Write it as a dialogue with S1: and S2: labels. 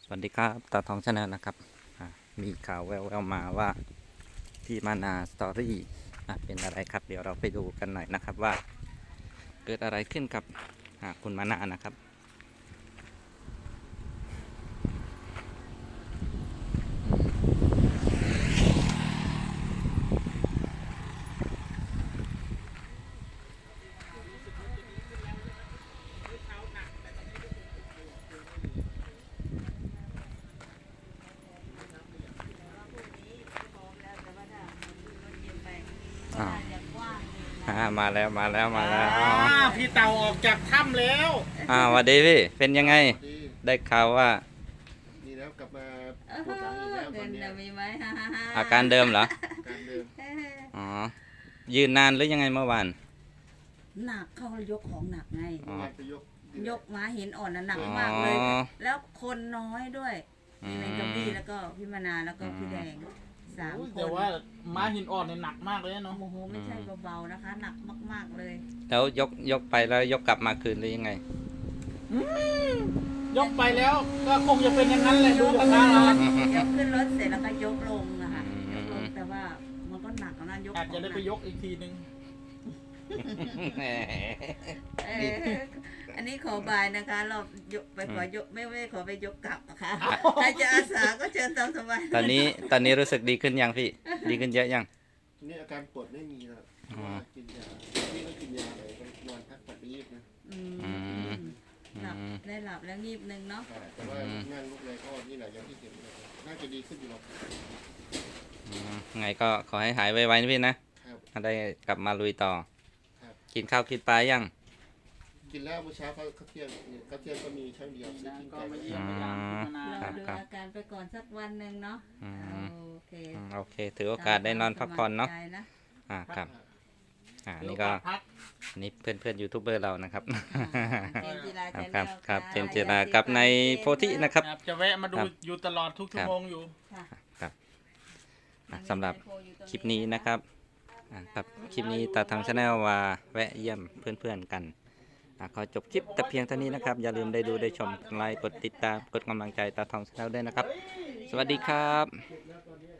S1: สวัสดีครับตาทองชาแนลนะครับมีข่าวแววๆมาว่าที่มานาสตอรี่เป็นอะไรครับเดี๋ยวเราไปดูกันหน่อยนะครับว่าเกิดอะไรขึ้นกับคุณมานานะครับมาแล้ว
S2: พี่เต่าออกจากถ้ำแล้ว
S1: สวัสดีพี่เป็นยังไงได้ข่าวว่า
S3: ดีแล้วกลับมาปวดหลังอีกแล้วตอนนี้
S4: มีไหม
S1: อาการเดิมเหรอ
S3: การเดิม
S1: อ๋อยืนนานหรือยังไงเมื่อวาน
S4: หนักเขายกของหนักไง
S3: ไป
S4: ยกม้าหินอ่อนหนักมากเลย แล้วคนน้อยด้วยในกระบี่แล้วก็พี่มนาแล้วก็พี่แดง3 คน
S2: แต่ว่าม้าหินอ่อนเนี่ยหนักมากเลยเนาะ
S4: โอ้โหไม่ใช่เบาๆนะคะหนักมากๆเลย
S1: แล้วยกไปแล้วยกกลับมาคืนหรือยังไง
S2: ยกไปแล้วก็คงจะเป็นอย่างนั้นแหละดูจากทาง
S4: แล้
S2: แล้ว
S4: ยกขึ้นรถเสร็จแล้วก็ยกลงนะคะยกลงแต่ว่ามันก็หนักนะยก
S2: อาจจะได้ไปยกอีกทีนึง
S4: อันนี้ขอบายนะคะเรายกไปขอยกไม่ขอไปยกกลับนะคะใครจะอาสาก็เชิญตามสบาย
S1: ตอนนี้รู้สึกดีขึ้นยังพี่ดีขึ้นเยอะยัง
S3: นี่อาการปวดไม่มีแล้วกินยาพี่ก็กินยาเลยนอนพักผ่อนไปยีบนะ
S4: หลับได้หลับแล้วงีบนึงเนาะ
S3: แต่ว่านั่งลุกเลยก็นี่แหละอย่างที่เห็นเลยน่าจะดีขึ้นอยู่หรอก
S1: ไงก็ขอให้หายไวๆนะพี่นะได้กลับมาลุยต่อกินข้าวกินปลายัง
S3: กินแล้วเมื่อเช้าเขาเที่ยงก็มีช่างเดียวซื้อกินไก่มาเยี่ยม
S4: เราดูอาการไปก่อนสักวันหนึ่งเนาะ
S1: โอเคถือโอกาสได้นอนพักผ่อนเนาะครับนี่ก็นี่เพื่อนยูทูบเบอร์เรานะครับครับเจมส์จิรากับในโพธินะครับ
S2: จะแวะมาดูอยู่ตลอดทุกชั่วโมงอยู่
S1: ครับสำหรับคลิปนี้นะครับครับคลิปนี้ตาทางชาแนลว่าแวะเยี่ยมเพื่อนๆกันขอจบคลิปแต่เพียงเท่านี้นะครับอย่าลืมได้ดูได้ชมไลค์กดติดตามกดกำลังใจตาทองชาแนลด้วยนะครับสวัสดีครับ